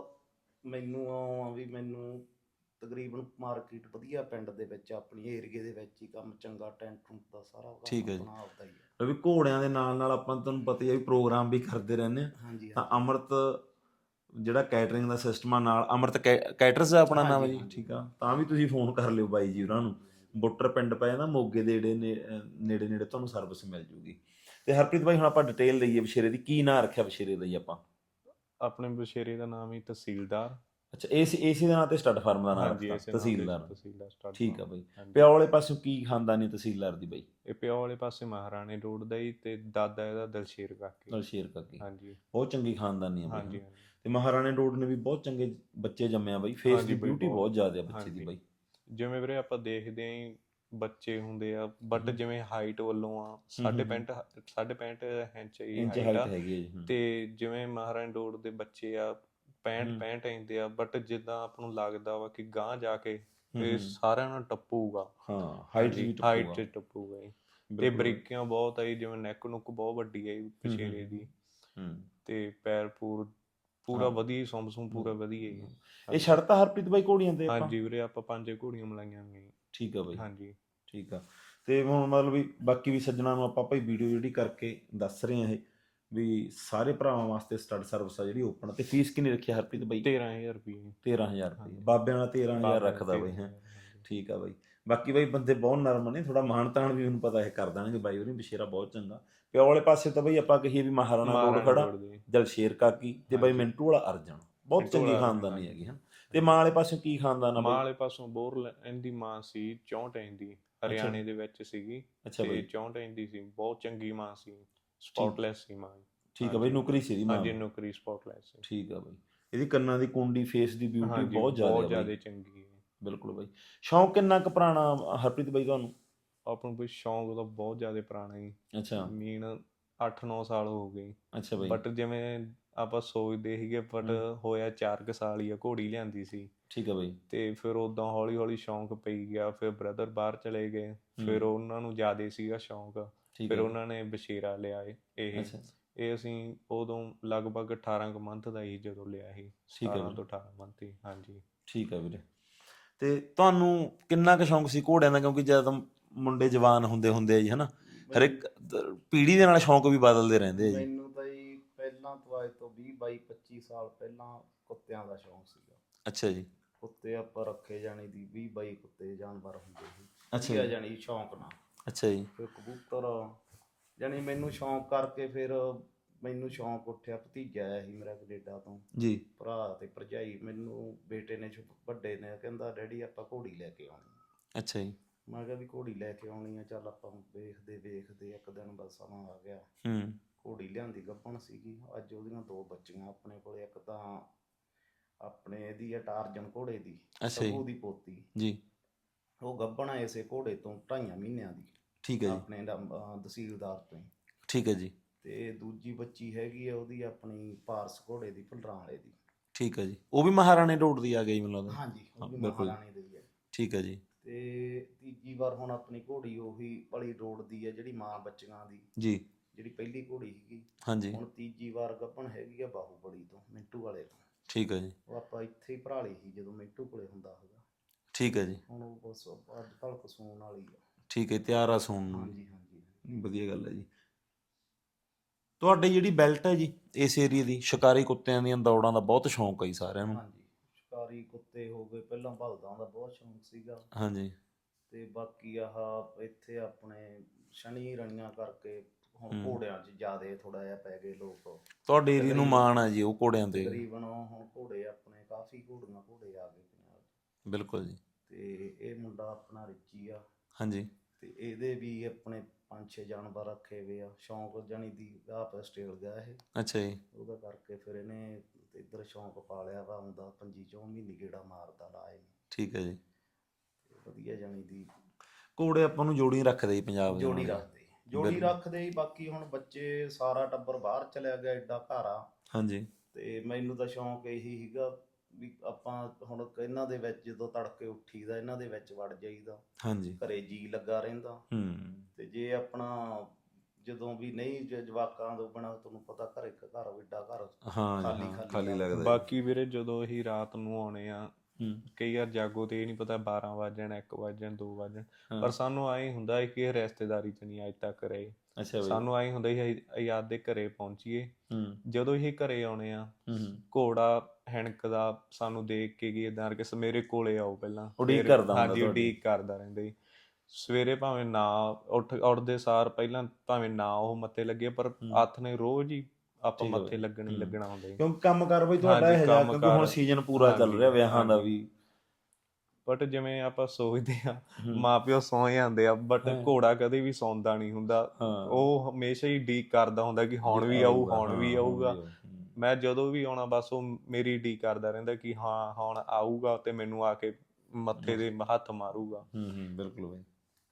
ਮੈਨੂੰ ਆ ਵੀ ਮੈਨੂੰ ਤਕਰੀਬਨ ਮਾਰਕੀਟ ਵਧੀਆ ਪਿੰਡ ਦੇ ਵਿੱਚ, ਆਪਣੀ ਏਰੀਏ ਦੇ ਵਿੱਚ ਹੀ ਕੰਮ ਚੰਗਾ, ਟੈਂਟ ਟੁੰਟ ਦਾ ਸਾਰਾ ਠੀਕ ਹੈ ਜੀ। ਆਪਣਾ ਆਪਦਾ ਹੀ ਆ। ਵੀ ਘੋੜਿਆਂ ਦੇ ਨਾਲ ਨਾਲ ਆਪਾਂ ਤੁਹਾਨੂੰ ਪਤਾ ਹੀ ਆ ਵੀ ਪ੍ਰੋਗਰਾਮ ਵੀ ਕਰਦੇ ਰਹਿੰਦੇ ਹਾਂ। ਹਾਂਜੀ ਤਾਂ ਹਾਂਜੀ। ਅੰਮ੍ਰਿਤ ਜਿਹੜਾ ਕੈਟਰਿੰਗ ਦਾ ਸਿਸਟਮ ਆ ਨਾਲ ਅਮਰਤ ਕੈ- ਕੈਟਰਸ ਦਾ ਆਪਣਾ ਨਾਮ ਹੈ ਹਾਂਜੀ, ਜੀ, ਹਾਂਜੀ। ਠੀਕ ਆ, ਤਾਂ ਵੀ ਤੁਸੀਂ ਫੋਨ ਕਰ ਲਿਓ ਬਾਈ ਜੀ ਉਹਨਾਂ ਨੂੰ। ਬੁੱਟਰ ਪਿੰਡ ਪੈ ਜਾਂਦਾ ਮੋਗੇ ਦੇ ਨੇੜੇ ਨੇ- ਅਹ ਨੇੜੇ ਨੇੜੇ ਤੁਹਾਨੂੰ ਸਰਵਿਸ ਮਿਲ ਜੂਗੀ। ਤੇ ਹਰਪ੍ਰੀਤ ਬਾਈ ਹੁਣ ਆਪਾਂ ਡਿਟੇਲ ਲਈਏ ਬਸ਼ੇਰੇ ਦੀ, ਕੀ ਨਾਂ ਰੱਖਿਆ ਬਸ਼ੇਰੇ ਦਾ ਜੀ ਆਪਾਂ? ਆਪਣੇ ਬਸ਼ੇਰੇ ਦਾ ਨਾਮ ਹੀ ਤਹਿਸੀਲਦਾਰ। ਅੱਛਾ, ਏਸੀ ਏਸੀ ਦੇ ਨਾਂ ਤੇ ਸਟੱਡ ਫਾਰਮ ਦਾ ਨਾਮ ਹਾਂਜੀ, ਰੱਖਤਾ ਇਸੇ ਨਾਂ ਤੇ ਤਹਿਸੀਲਦਾਰ। ਤਹਿਸੀਲਦਾਰ ਸਟਾਰਟ ਠੀਕ ਆ ਫਾਰਮ। ਬਾਈ। ਹਾਂਜੀ। ਪਿਓ ਵਾਲੇ ਪਾਸੋਂ ਕੀ ਖਾਨਦਾਨੀ ਤਹਿਸੀਲਦਾਰ ਦੀ ਬਾਈ? ਇਹ ਪਿਓ ਵਾਲੇ ਪਾਸੇ ਮਹਾਰਾਣੇ ਰੋਡ ਦਾ ਹੀ, ਤੇ ਦਾਦਾ ਇਹਦਾ ਦਲਸ਼ੇਰ ਕਾਕੇ। ਦਲਸ਼ੇਰ ਕਾਕੀ। ਹਾਂਜੀ ਬਹੁਤ ਚੰਗੀ ਖਾਨਦਾਨੀ ਆ ਬਾਈ। ਹਾਂਜੀ ਹਨਾ। ਹਾਂਜੀ ਤੇ ਮਹਾਰਾਣੇ ਰੋਡ ਨੇ ਵੀ ਬਹੁਤ ਚੰਗੇ ਬੱਚੇ ਜੰਮਿਆ ਬਾਈ, ਫੇਸ ਹਾਂਜੀ ਦੀ ਬਈ, ਬਿਊਟੀ ਬਹੁਤ ਜ਼ਿਆਦਾ ਆ ਬੱਚੇ ਦੀ ਹਾਂਜੀ। ਬਾਈ। ਜਿਵੇਂ ਵੀਰੇ ਆਪਾਂ ਦੇਖਦੇ ਆਂ ਜੀ, ਬੱਚੇ ਹੁੰਦੇ ਆ ਬਟ ਹਮ। ਜਿਵੇਂ ਹਾਈਟ ਵੱਲੋਂ ਆ ਹਮ ਸਾਢੇ ਹਮ ਹਮ। ਪੈਂਹਠ ਸਾਢੇ ਪੈਂਹਠ ਇੰਚ ਦੀ ਇੰਚ ਹਾਈਟ ਹਾਈਟ ਆ। ਹੈਗੀ ਹੈ ਜੀ। ਹਮ। ਤੇ ਜਿਵੇਂ ਮਹਾਰਾਣੀ ਰੋਡ ਦੇ ਬੱਚੇ ਆ ਪੈਂਹਠ ਹਮ ਪੈਂਹਠ ਇੰਚ ਦੇ ਆ, ਬਟ ਜਿੱਦਾਂ ਆਪਾਂ ਨੂੰ ਲੱਗਦਾ ਵਾ ਕਿ ਗਾਂਹ ਜਾ ਕੇ ਹਮ ਇਹ ਹਮ। ਸਾਰਿਆਂ ਨੂੰ ਟੱਪੂਗਾ। ਹਾਂ, ਹਾਈਟ 'ਚ ਹਾਂਜੀ, ਵੀ ਹਾਈਟ ਟੱਪੂਗਾ। 'ਚ ਟੱਪੂਗਾ ਜੀ। ਤੇ ਬਿਲਕੁਲ ਬਾਈ। ਬਰੀਕੀਆਂ ਬਹੁਤ ਆ ਜੀ, ਜਿਵੇਂ ਨੈਕ ਨੁੱਕ ਬਹੁਤ ਵੱਡੀ ਆ ਜੀ ਹਮ ਬਸ਼ੇਰੇ ਹਮ ਦੀ। ਹਮ। ਤੇ ਪੈਰ ਪੂਰ ਪੂਰਾ ਹਾਂ। ਵਧੀਆ, ਸੁੰਮ ਸੁੰਮ ਪੂਰਾ ਵਧੀਆ ਜੀ। ਇਹ ਹਾਂਜੀ ਛੱਡਤਾ ਹਰਪ੍ਰੀਤ ਬਾਈ ਘੋੜੀਆਂ ਤੇ ਆਪਾਂ? ਹਾਂਜੀ ਵੀਰੇ, ਆਪਾਂ ਪੰਜ ਘੋੜੀਆਂ ਮਲਾਈਆਂ ਨੇ ਜੀ। ਠੀਕ ਆ ਬਾਈ। ਹਾਂਜੀ ਠੀਕ ਆ। ਤੇ ਹੁਣ ਮਤਲਬ ਵੀ ਬਾਕੀ ਵੀ ਸੱਜਣਾ ਨੂੰ ਆਪਾਂ ਭਾਈ ਵੀਡੀਓ ਜਿਹੜੀ ਕਰਕੇ ਦੱਸ ਰਹੇ ਆ ਇਹ ਵੀ ਸਾਰੇ ਭਰਾਵਾਂ ਵਾਸਤੇ ਸਟੱਡ ਸਰਵਿਸ ਆ ਜਿਹੜੀ ਓਪਨ। ਤੇ ਫੀਸ ਕਿੰਨੀ ਰੱਖੀ ਆ ਹਰਪ੍ਰੀਤ ਬਾਈ? ਤੇਰਾਂ ਹਜ਼ਾਰ ਰੁਪਏ। ਤੇਰਾਂ ਹਜ਼ਾਰ ਰੁਪਏ ਹਾਂਜੀ। ਬਾਬਿਆਂ ਵਾਲਾ ਤੇਰਾਂ ਹਜ਼ਾਰ ਬਾਬਿਆਂ ਦਾ ਰੱਖਦਾ ਬਾਈ ਤੇਰਾਂ ਹੈ। ਹਜ਼ਾਰ ਹਾਂਜੀ। ਠੀਕ ਆ ਬਾਈ। ਬਾਕੀ ਬਾਈ ਬੰਦੇ ਬਹੁਤ ਨਰਮ ਨੇ, ਥੋੜਾ ਮਾਣ ਤਾਣ ਵੀ ਮੈਨੂੰ ਪਤਾ ਇਹ ਕਰ ਦੇਣਗੇ ਬਾਈ ਉਹਨੇ, ਬਸ਼ੇਰਾ ਬਹੁਤ ਚੰਗਾ। ਪਿਓ ਵਾਲੇ ਪਾਸੇ ਤਾਂ ਬਾਈ ਆਪਾਂ ਕਹੀਏ ਵੀ ਮਹਾਰਾਣਾ ਰੋਡ ਮਹਾਰਾਣੀ ਖੜਾ, ਰੋਡ ਦੇ ਦਲਸ਼ੇਰ ਕਾਕੀ ਤੇ ਬਾਈ ਹਾਂਜੀ। ਮਿੰਟੂ ਵਾਲਾ ਅਰਜਨ, ਬਹੁਤ ਮਿੰਟੂ ਚੰਗੀ ਵਾਲਾ ਅਰਜਨ ਖਾਨਦਾਨੀ ਹਾਂਜੀ। ਹੈਗੀ ਹਨ। ਤੇ ਮਾਂ ਵਾਲੇ ਪਾਸੋਂ ਕੀ ਖਾਨਦਾਨ ਆ ਮਾਂ ਬਾਈ? ਵਾਲੇ ਪਾਸੋਂ ਬੋਰ ਇਹਦੀ ਮਾਂ ਸੀ ਚੌਂਹਠ ਇੰਚ ਦੀ, ਅੱਛਾ ਹਰਿਆਣੇ ਜੀ। ਦੇ ਵਿੱਚ ਸੀਗੀ। ਅੱਛਾ ਤੇ ਬਾਈ। ਚੌਂਹਠ ਇੰਚ ਦੀ ਸੀ, ਬਹੁਤ ਚੰਗੀ ਮਾਂ ਸੀ, ਠੀਕ। ਸਪੌਟਲੈਸ ਸੀ ਮਾਂ। ਠੀਕ ਆ ਬਾਈ, ਹਾਂਜੀ ਨੌਕਰੀ ਸੀ ਇਹਦੀ ਮਾਂ ਹਾਂਜੀ, ਨੂੰ? ਨੌਕਰੀ ਸਪੌਟਲੈਸ ਸੀ। ਠੀਕ ਆ ਬਾਈ। ਇਹਦੀ ਕੰਨਾਂ ਦੀ ਕੁੰਡੀ, ਫੇਸ ਦੀ ਬਿਊਟੀ ਹਾਂਜੀ, ਬਹੁਤ ਜ਼ਿਆਦਾ ਬਹੁਤ ਆ ਬਾਈ। ਜ਼ਿਆਦਾ ਚੰਗੀ ਹੈ। ਬਿਲਕੁਲ ਬਾਈ। ਸ਼ੌਂਕ ਕਿੰਨਾ ਕੁ ਪੁਰਾਣਾ ਹਰਪ੍ਰੀਤ ਬਾਈ ਤੁਹਾਨੂੰ? ਆਪਾਂ ਨੂੰ ਕੋਈ ਸ਼ੌਂਕ ਤਾਂ ਬਹੁਤ ਜ਼ਿਆਦਾ ਪੁਰਾਣਾ ਜੀ, ਅੱਛਾ। ਮੀਨ ਅੱਠ ਨੌ ਸਾਲ ਹੋ ਗਏ। ਅੱਛਾ ਬਾਈ। ਬਟ ਜਿਵੇਂ ਆਪਾਂ ਸੋਚਦੇ ਸੀਗੇ, ਬਟ ਹੂੰ। ਹੋਇਆ ਚਾਰ ਕੁ ਸਾਲ ਹੀ ਆ, ਘੋੜੀ ਲਿਆਂਦੀ ਸੀ। ਠੀਕ ਆ ਬਾਈ। ਤੇ ਫਿਰ ਉਦਾਂ ਹੌਲੀ ਹੌਲੀ ਸ਼ੌਂਕ ਪਈ ਗਿਆ। ਫਿਰ ਬ੍ਰਦਰ ਬਾਹਰ ਚਲੇ ਗਏ, ਫਿਰ ਹੂੰ। ਉਹਨਾਂ ਨੂੰ ਜ਼ਿਆਦਾ ਸੀਗਾ ਸ਼ੌਂਕ। ਠੀਕ ਫਿਰ ਆ ਜੀ। ਉਹਨਾਂ ਨੇ ਬਸ਼ੇਰਾ ਲਿਆ ਏ ਇਹ ਅੱਛਾ। ਇਹ ਅਸੀਂ ਉਦੋਂ ਲਗਭਗ ਅਠਾਰਾਂ ਕੁ ਮੰਥ ਦਾ ਹੀ ਜਦੋਂ ਲਿਆ ਸੀ, ਠੀਕ ਆ ਸਤਾਰਾਂ ਵੀਰੇ। ਤੋਂ ਅਠਾਰਾਂ ਮੰਥ ਹੀ। ਹਾਂਜੀ ਠੀਕ ਆ ਵੀਰੇ। ਤੇ ਤੁਹਾਨੂੰ ਕਿੰਨਾ ਕੁ ਸ਼ੌਂਕ ਸੀ ਘੋੜਿਆਂ ਦਾ? ਕਿਉਂਕਿ ਜਦੋਂ ਮੁੰਡੇ ਜਵਾਨ ਹੁੰਦੇ ਹੁੰਦੇ ਆ ਜੀ, ਹਨਾ, ਹਰ ਇੱਕ ਪੀੜ੍ਹੀ ਦੇ ਨਾਲ ਸ਼ੌਂਕ ਵੀ ਬਦਲਦੇ ਰਹਿੰਦੇ ਆ ਜੀ। ਮੈਨੂੰ ਤਾਂ ਜੀ ਪਹਿਲਾਂ ਤੋਂ ਅੱਜ ਤੋਂ ਵੀਹ ਬਾਈ ਪੱਚੀ ਸਾਲ ਪਹਿਲਾਂ ਕੁੱਤਿਆਂ ਦਾ ਸ਼ੌਂਕ ਸੀਗਾ। ਅੱਛਾ ਜੀ। ਕੁੱਤੇ ਆਪਾਂ ਰੱਖੇ ਜਾਣੀ ਦੀ ਵੀਹ ਬਾਈ ਕੁੱਤੇ ਜਾਨਵਰ ਹੁੰਦੇ ਸੀ, ਅੱਛਾ ਵਧੀਆ ਜੀ। ਜਾਣੀ ਸ਼ੌਂਕ ਨਾਲ। ਅੱਛਾ ਜੀ। ਫਿਰ ਕਬੂਤਰ ਜਾਣੀ ਮੈਨੂੰ ਸ਼ੌਂਕ ਕਰਕੇ ਫਿਰ ਮੈਨੂੰ ਸ਼ੌਂਕ ਉੱਠਿਆ। ਭਤੀਜਾ ਆਇਆ ਸੀ ਮੇਰਾ ਕੈਨੇਡਾ ਤੋਂ, ਜੀ। ਭਰਾ ਤੇ ਭਰਜਾਈ। ਮੈਨੂੰ ਬੇਟੇ ਨੇ ਛੋ- ਵੱਡੇ ਨੇ ਕਹਿੰਦਾ ਡੈਡੀ ਆਪਾਂ ਘੋੜੀ ਲੈ ਕੇ ਆਉਣੀ ਆ। ਅੱਛਾ ਜੀ। ਮੈਂ ਕਿਹਾ ਵੀ ਘੋੜੀ ਲੈ ਕੇ ਆਉਣੀ ਆ, ਚੱਲ ਆਪਾਂ ਵੇਖਦੇ ਵੇਖਦੇ ਇੱਕ ਦਿਨ ਬਸ ਸਮਾਂ ਆ ਗਿਆ। ਹੂੰ। ਘੋੜੀ ਲਿਆਂਦੀ ਗੱਭਣ ਸੀਗੀ। ਅੱਜ ਉਹਦੀਆਂ ਦੋ ਬੱਚੀਆਂ ਆਪਣੇ ਕੋਲ। ਇੱਕ ਤਾਂ ਆਪਣੇ ਇਹਦੀ ਆ ਟਾਰਜਨ ਘੋੜੇ ਦੀ, ਅੱਛਾ ਜੀ। ਸਭੂ ਦੀ ਪੋਤੀ। ਜੀ। ਉਹ ਗੱਭਣ ਆ ਇਸੇ ਘੋੜੇ ਤੋਂ ਢਾਈਆਂ ਮਹੀਨਿਆਂ ਦੀ, ਠੀਕ ਹੈ ਜੀ। ਆਪਣੇ ਦਾ ਅਹ ਤਹਿਸੀਲਦਾਰ ਤੋਂ ਹੀ। ਠੀਕ ਹੈ ਜੀ। ਤੇ ਦੂਜੀ ਬੱਚੀ ਹੈਗੀ ਆ ਉਹਦੀ ਆਪਣੀ ਪਾਰਸ ਘੋੜੇ ਦੀ, ਭੁੱਲਰਾਂ ਵਾਲੇ ਦੀ। ਠੀਕ ਹੈ ਜੀ। ਉਹ ਵੀ ਮਹਾਰਾਣੇ ਰੋਡ ਦੀ ਆ ਗਈ ਮੈਨੂੰ ਲੱਗਦਾ। ਹਾਂਜੀ, ਉਹ ਹਾਂ ਵੀ ਬਿਲਕੁਲ ਜੀ। ਮਹਾਰਾਣੀ ਦੀ ਹੈ। ਠੀਕ ਹੈ ਜੀ। ਤੇ ਤੀਜੀ ਵਾਰ ਹੁਣ ਆਪਣੀ ਘੋੜੀ ਉਹੀ ਭਲੀ ਰੋਡ ਦੀ ਹੈ, ਜਿਹੜੀ ਮਾਂ ਬੱਚੀਆਂ ਦੀ, ਜੀ। ਜਿਹੜੀ ਪਹਿਲੀ ਘੋੜੀ ਸੀਗੀ। ਹਾਂਜੀ। ਹੁਣ ਤੀਜੀ ਵਾਰ ਗੱਭਣ ਹੈਗੀ ਆ ਬਾਹੂਬਲੀ ਤੋਂ, ਮਿੰਟੂ ਵਾਲੇ ਤੋਂ। ਠੀਕ ਹੈ ਜੀ। ਉਹ ਆਪਾਂ ਇੱਥੇ ਹੀ ਭਰਾ ਲਈ ਸੀ ਜਦੋਂ ਮਿੰਟੂ ਕੋਲੇ ਹੁੰਦਾ ਸੀਗਾ। ਠੀਕ ਹੈ ਜੀ। ਹੁਣ ਉਹ ਬਸ ਅੱਜ ਕੱਲ੍ਹ ਕਸੂਣ ਵਾਲੀ ਆ। ਠੀਕ ਹੈ, ਤਿਆਰ ਆ ਸੂਣ ਨੂੰ। ਹਾਂਜੀ ਹਾਂਜੀ। ਵਧੀਆ ਗੱਲ ਹੈ ਜੀ। ਤੁਹਾਡੀ ਜਿਹੜੀ ਬੈਲਟ ਹੈ ਜੀ ਇਸ ਏਰੀਏ ਦੀ, ਸ਼ਿਕਾਰੀ ਕੁੱਤਿਆਂ ਦੀਆਂ ਦੌੜਾਂ ਦਾ ਬਹੁਤ ਸ਼ੌਂਕ ਹੈ ਜੀ ਸਾਰਿਆਂ ਨੂੰ। ਹਾਂਜੀ, ਸ਼ਿਕਾਰੀ ਕੁੱਤੇ ਹੋ ਗਏ। ਪਹਿਲਾਂ ਬਲਦਾਂ ਦਾ ਬਹੁਤ ਸ਼ੌਂਕ ਸੀਗਾ। ਹਾਂਜੀ। ਤੇ ਬਾਕੀ ਆਹ ਇੱਥੇ ਆਪਣੇ ਸ਼ਨੀ ਰਣੀਆਂ ਕਰਕੇ ਹੁਣ ਹੂੰ। ਘੋੜਿਆਂ 'ਚ ਜ਼ਿਆਦੇ ਥੋੜਾ ਜਿਹਾ ਪੈ ਗਏ ਲੋਕ। ਤੁਹਾਡੇ ਏਰੀਏ ਨੂੰ ਤਕਰੀਬਨ ਮਾਣ ਹੈ ਜੀ ਉਹ ਘੋੜਿਆਂ ਤੇ। ਤਕਰੀਬਨ ਹੁਣ ਘੋੜੇ ਆਪਣੇ ਕਾਫੀ ਘੋੜੀਆਂ ਘੋੜੇ ਆ ਗਏ ਪੰਜਾਬ 'ਚ। ਬਿਲਕੁਲ ਜੀ। ਤੇ ਇਹ ਮੁੰਡਾ ਆਪਣਾ ਰਿੱਚੀ ਆ। ਹਾਂਜੀ। ਤੇ ਇਹਦੇ ਵੀ ਆਪਣੇ ਪੰਜ ਛੇ ਜਾਨਵਰ ਰੱਖੇ ਹੋਏ ਆ। ਸ਼ੌਂਕ ਜਾਣੀ ਦੀ ਆਪ ਸਟੇਲ ਗਿਆ ਇਹ। ਅੱਛਾ ਜੀ। ਉਹਦਾ ਕਰਕੇ ਫਿਰ ਇਹਨੇ ਇੱਧਰ ਸ਼ੌਂਕ ਪਾ ਲਿਆ ਵਾ। ਆਉਂਦਾ ਪੰਜੀ ਚੌਂ ਮਹੀਨੇ ਗੇੜਾ ਮਾਰਦਾ ਲਾਏ। ਠੀਕ ਹੈ ਜੀ। ਵਧੀਆ ਜਾਣੀ ਦੀ ਘੋੜੇ ਆਪਾਂ ਨੂੰ ਜੋੜੀ ਰੱਖਦੇ ਜੀ ਪੰਜਾਬ ਦੇ ਜੋੜੀ ਨਾਲ। ਰੱਖਦੇ ਜੋੜੀ ਰੱਖਦੇ ਹੀ। ਬਾਕੀ ਹੁਣ ਬੱਚੇ ਸਾਰਾ ਟੱਬਰ ਬਾਹਰ ਚਲਿਆ ਗਿਆ, ਐਡਾ ਘਰ ਆ। ਹਾਂਜੀ। ਤੇ ਮੈਨੂੰ ਤਾਂ ਸ਼ੌਂਕ ਇਹੀ ਸੀਗਾ ਵੀ ਆਪਾਂ ਹੁਣ ਇਹਨਾਂ ਦੇ ਵਿੱਚ ਜਦੋਂ ਤੜਕੇ ਉੱਠੀਦਾ, ਇਹਨਾਂ ਦੇ ਵਿੱਚ ਵੜ ਜਾਈਦਾ। ਹਾਂਜੀ। ਘਰੇ ਜੀ ਲੱਗਾ ਰਹਿੰਦਾ। ਹੂੰ। ਤੇ ਜੇ ਆਪਣਾ ਜਦੋਂ ਵੀ ਨਹੀਂ ਜੇ ਜਵਾਕਾਂ ਤੋਂ ਬਿਨਾਂ, ਤੁਹਾਨੂੰ ਪਤਾ ਘਰੇ ਘਰ ਐਡਾ ਘਰ ਹਾਂ ਜੀ, ਖਾਲੀ ਹਾਂ ਖਾਲੀ ਖਾਲੀ ਆ। ਲੱਗਦਾ ਜੀ। ਬਾਕੀ ਵੀਰੇ ਜਦੋਂ ਅਸੀਂ ਰਾਤ ਨੂੰ ਆਉਣੇ ਆ, ਹੂੰ ਕਈ ਵਾਰ ਜਾਗੋ ਤੇ ਇਹ ਨਹੀਂ ਪਤਾ ਬਾਰਾਂ ਵੱਜ ਜਾਣ, ਇੱਕ ਵੱਜ ਜਾਣ, ਦੋ ਵੱਜ ਜਾਣ, ਹਾਂ। ਪਰ ਸਾਨੂੰ ਐਂ ਹੁੰਦਾ ਹੈ ਕਿ ਇਹ ਰਿਸ਼ਤੇਦਾਰੀ 'ਚ ਨਹੀਂ ਅੱਜ ਤੱਕ ਰਹੇ। ਅੱਛਾ ਬਈ। ਸਾਨੂੰ ਐਂ ਹੁੰਦਾ ਸੀ ਅਸੀਂ ਆਪਦੇ ਘਰੇ ਪਹੁੰਚੀਏ। ਹੂੰ ਜਦੋਂ ਇਹ ਘਰੇ ਆਉਣੇ ਆ, ਹੂੰ ਹੂੰ ਘੋੜਾ ਹੈਣਕਦਾ ਸਾਨੂੰ ਦੇਖ ਕੇ ਗਈ ਏਦਾਂ ਕਿ ਮੇਰੇ ਕੋਲੇ ਆਓ ਪਹਿਲਾਂ। ਉਡੀਕ ਫਿਰ- ਕਰਦਾ ਹੁੰਦਾ ਹਾਂਜੀ ਤੁਹਾਡੀ। ਉਡੀਕ ਕਰਦਾ ਰਹਿੰਦਾ ਜੀ। ਸਵੇਰੇ ਭਾਵੇਂ ਨਾ ਉੱਠ ਉੱਠਦੇ ਸਾਰ ਪਹਿਲਾਂ ਭਾਵੇਂ ਨਾ ਉਹ ਮੱਥੇ ਲੱਗੇ, ਪਰ ਹੂੰ। ਹੱਥ ਨੇ ਰੋਜ਼ ਹੀ ਆਪਾਂ ਠੀਕ ਆ ਮੱਥੇ ਬਈ। ਲੱਗਣ ਹੀ ਹੂੰ। ਲੱਗਣਾ ਹੁੰਦਾ ਜੀ। ਕਿਉਂਕਿ ਕੰਮ ਕਾਰ ਬਈ ਤੁਹਾਡਾ ਹਾਂਜੀ, ਇਹ ਜਿਹਾ, ਕੰਮ ਕਿਉਂਕਿ ਹੁਣ ਕਾਰ। ਸੀਜ਼ਨ ਪੂਰਾ ਚੱਲ ਹਾਂਜੀ, ਰਿਹਾ ਵਿਆਹਾਂ ਦਾ ਹਾਂਜੀ। ਵੀ। ਬਟ ਜਿਵੇਂ ਆਪਾਂ ਸੋਚਦੇ ਆ ਹੂੰ। ਮਾਂ ਪਿਓ ਸੌਂ ਜਾਂਦੇ ਆ, ਬਟ ਹਾਂ। ਘੋੜਾ ਕਦੇ ਵੀ ਸੌਂਦਾ ਨਹੀਂ ਹੁੰਦਾ। ਹਾਂ। ਉਹ ਹਮੇਸ਼ਾ ਹੀ ਉਡੀਕ ਕਰਦਾ ਹੁੰਦਾ ਕਿ ਹੁਣ ਵੀ ਆਊ, ਹੁਣ ਵੀ ਆਊਗਾ। ਮੈਂ ਜਦੋਂ ਵੀ ਆਉਣਾ ਬਸ ਉਹ ਮੇਰੀ ਉਡੀਕ ਕਰਦਾ ਰਹਿੰਦਾ ਕਿ ਹਾਂ ਹੁਣ ਆਊਗਾ ਤੇ ਮੈਨੂੰ ਆ ਕੇ ਮੱਥੇ ਦੇ ਹੱਥ ਮਾਰੂਗਾ। ਹੂੰ ਹੂੰ ਬਿਲਕੁਲ ਬਈ।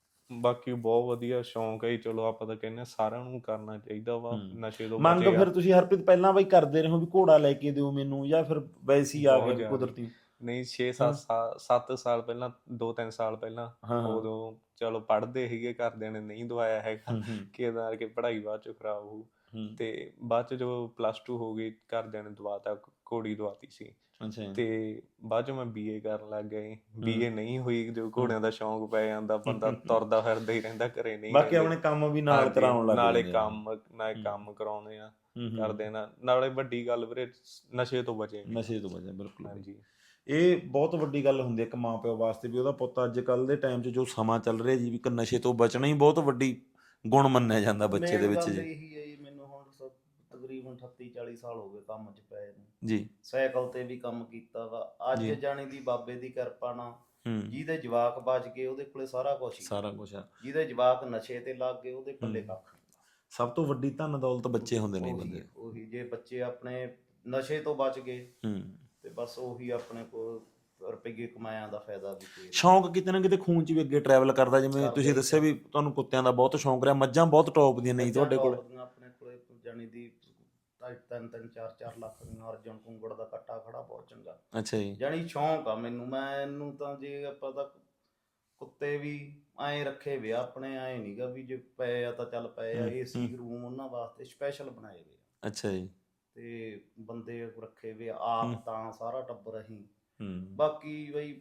ਬਾਕੀ ਬਹੁਤ ਵਧੀਆ ਸ਼ੌਂਕ ਹੈ ਜੀ। ਚਲੋ ਆਪਾਂ ਤਾਂ ਕਹਿੰਦੇ ਸਾਰਿਆਂ ਨੂੰ ਕਰਨਾ ਚਾਹੀਦਾ ਵਾ, ਹੂੰ। ਨਸ਼ੇ ਤੋਂ ਮੰਗ ਬਚੇਗਾ। ਫਿਰ ਤੁਸੀਂ ਹਰਪ੍ਰੀਤ ਪਹਿਲਾਂ ਬਈ ਕਰਦੇ ਰਹੇ ਹੋ ਵੀ ਘੋੜਾ ਲੈ ਕੇ ਦਿਓ ਮੈਨੂੰ, ਜਾਂ ਫਿਰ ਵੈਸੇ ਹੀ ਆ ਬਹੁਤ ਗਿਆ ਜ਼ਿਆਦਾ। ਕੁਦਰਤੀ? ਨਹੀਂ ਛੇ ਹਾਂ। ਸੱਤ ਸਾਲ ਸੱਤ ਸਾਲ ਪਹਿਲਾਂ, ਦੋ ਤਿੰਨ ਸਾਲ ਪਹਿਲਾਂ, ਹਾਂ ਹਾਂ। ਉਦੋਂ ਚਲੋ ਪੜ੍ਹਦੇ ਸੀਗੇ, ਘਰਦਿਆਂ ਨੇ ਨਹੀਂ ਦਵਾਇਆ ਹੈਗਾ ਹੂੰ ਹੂੰ ਕਿ ਇਹਦਾ ਕਿ ਪੜ੍ਹਾਈ ਬਾਅਦ ਚ ਖਰਾਬ ਹੋਊ। ਹੂੰ। ਤੇ ਬਾਅਦ ਚ ਜਦੋਂ ਪਲੱਸ ਟੂ ਹੋ ਗਈ ਘਰਦਿਆਂ ਨੇ ਦਵਾਤਾ, ਘੋੜੀ ਦਵਾਤੀ ਸੀ। ਅੱਛਾ ਜੀ। ਤੇ ਬਾਅਦ ਚ ਮੈਂ ਬੀਏ ਕਰਨ ਲੱਗ ਗਿਆ। ਹੂੰ। ਬੀਏ ਨਹੀਂ ਹੋਈ, ਜੋ ਘੋੜਿਆਂ ਦਾ ਸ਼ੌਂਕ ਪੈ ਜਾਂਦਾ, ਬੰਦਾ ਤੁਰਦਾ ਫਿਰਦਾ ਹੀ ਰਹਿੰਦਾ, ਘਰੇ ਨਹੀਂ ਬਾਕੀ ਰਹਿੰਦੇ। ਆਪਣੇ ਕੰਮ ਵੀ ਨਾਲ ਹਾਂਜੀ, ਕਰਾਉਣ ਲੱਗ ਨਾਲੇ ਜਾਂਦੇ ਆ। ਕੰਮ ਨਾਲੇ ਹੂੰ। ਕੰਮ ਕਰਾਉਂਦੇ ਆ, ਹੂੰ ਹੂੰ। ਕਰਦੇ ਨਾ। ਨਾਲੇ ਵੱਡੀ ਗੱਲ ਵੀਰੇ ਨਸ਼ੇ ਤੋਂ ਬਚੇ। ਨਸ਼ੇ ਤੋਂ ਬਚਿਆ ਬਿਲਕੁਲ ਬਈ। ਹਾਂਜੀ। ਇਹ ਬਹੁਤ ਵੱਡੀ ਗੱਲ ਹੁੰਦੀ ਹੈ ਇੱਕ ਮਾਂ ਪਿਓ ਵਾਸਤੇ ਵੀ ਉਹਦਾ ਪੁੱਤ ਅੱਜ ਕੱਲ੍ਹ ਦੇ ਟਾਈਮ 'ਚ ਜੋ ਸਮਾਂ ਚੱਲ ਰਿਹਾ ਜੀ, ਵੀ ਇੱਕ ਨਸ਼ੇ ਤੋਂ ਬਚਣਾ ਹੀ ਬਹੁਤ ਵੱਡੀ ਗੁਣ ਮੰਨਿਆ ਜਾਂਦਾ ਬੱਚੇ ਦੇ ਮੇਨ ਵਿੱਚ ਗੱਲ ਜੀ। ਇਹੀ ਹੈ ਜੀ, ਮੈਨੂੰ ਹੁਣ ਸ- ਤਕਰੀਬਨ ਅਠੱਤੀ ਚਾਲੀ ਸਾਲ ਹੋ ਗਏ ਕੰਮ 'ਚ ਪਏ ਨੂੰ। ਜੀ ਸਾਈਕਲ ਤੇ ਵੀ ਕੰਮ ਕੀਤਾ ਵਾ। ਅੱਜ ਜੀ। ਜਾਣੀ ਦੀ ਬਾਬੇ ਦੀ ਕਿਰਪਾ ਨਾਲ ਹੂੰ। ਜਿਹਦੇ ਜਵਾਕ ਬਚ ਗਏ ਉਹਦੇ ਕੋਲੇ ਸਾਰਾ ਕੁਝ ਹੀ। ਸਾਰਾ ਕੁਝ ਆ। ਜਿਹਦੇ ਜਵਾਕ ਨਸ਼ੇ ਤੇ ਲੱਗ ਗਏ ਉਹਦੇ ਪੱਲੇ ਹੂੰ। ਕੱਖ ਨਹੀਂ। ਸਭ ਤੋਂ ਵੱਡੀ ਧਨ ਦੌਲਤ ਬੱਚੇ ਹੁੰਦੇ ਨੇ ਉਹੀ ਬੰਦੇ। ਉਹੀ ਜੇ ਬੱਚੇ ਆਪਣੇ ਨਸ਼ੇ ਤੋਂ ਬਚ ਗਏ ਹੂੰ। ਤੇ ਬਸ ਉਹੀ ਆਪਣੇ ਕੋਲ ਰੁਪਈਏ ਕਮਾਇਆਂ ਦਾ ਫਾਇਦਾ ਵੀ ਕੋਈ ਨਹੀਂ। ਸ਼ੌਂਕ ਕਿਤੇ ਨਾ ਕਿਤੇ ਖੂਨ 'ਚ ਵੀ ਅੱਗੇ ਟਰੈਵਲ ਕਰਦਾ, ਜਿਵੇਂ ਕਰਦਾ ਤੁਸੀਂ ਹੀ ਦੱਸਿਆ ਵੀ ਕਰਦਾ। ਤੁਹਾਨੂੰ ਕੁੱਤਿਆਂ ਦਾ ਬਹੁਤ ਸ਼ੌਂਕ ਰਿਹਾ, ਮੱਝਾਂ ਬਹੁਤ ਟੌਪ ਦੀਆਂ ਨਹੀਂ ਤੁਹਾਡੇ ਕੋਲ? ਮੱਝਾਂ ਟੌਪ ਦੀਆਂ ਆਪਣੇ ਕੋਲੇ ਜਾਣੀ ਦੀ ਢਾਈ ਤਿੰਨ ਤਿੰਨ ਚਾਰ ਚਾਰ ਲੱਖ ਦੀਆਂ। ਅਰਜਨ ਕੁੰਗੜ ਦਾ ਕੱਟਾ ਖੜਾ ਬਹੁਤ ਚੰਗਾ। ਅੱਛਾ ਜੀ। ਜਾਣੀ ਸ਼ੌਂਕ ਆ ਮੈਨੂੰ। ਮੈਨੂੰ ਤਾਂ ਜੇ ਆਪਾਂ ਤਾਂ ਕੁੱਤੇ ਵੀ ਐਂ ਰੱਖੇ ਵੇ ਆ ਆਪਣੇ, ਐਂ ਨਹੀਂਗਾ ਵੀ ਜੇ ਪਏ ਆ ਤਾਂ ਚੱਲ ਪਏ ਆ। ਹੂੰ, ਏਸੀ ਹੂੰ। ਰੂਮ ਉਹਨਾਂ ਵਾਸਤੇ ਸਪੈਸ਼ਲ ਬਣਾਏ ਵੇ ਆ। ਅੱਛਾ ਜੀ। ਤੇ ਬੰਦੇ ਰੱਖੇ ਵੇ ਆ, ਹੂੰ। ਆਪ ਤਾਂ ਸਾਰਾ ਟੱਬਰ ਅਸੀਂ। ਹੂੰ। ਬਾਕੀ ਬਈ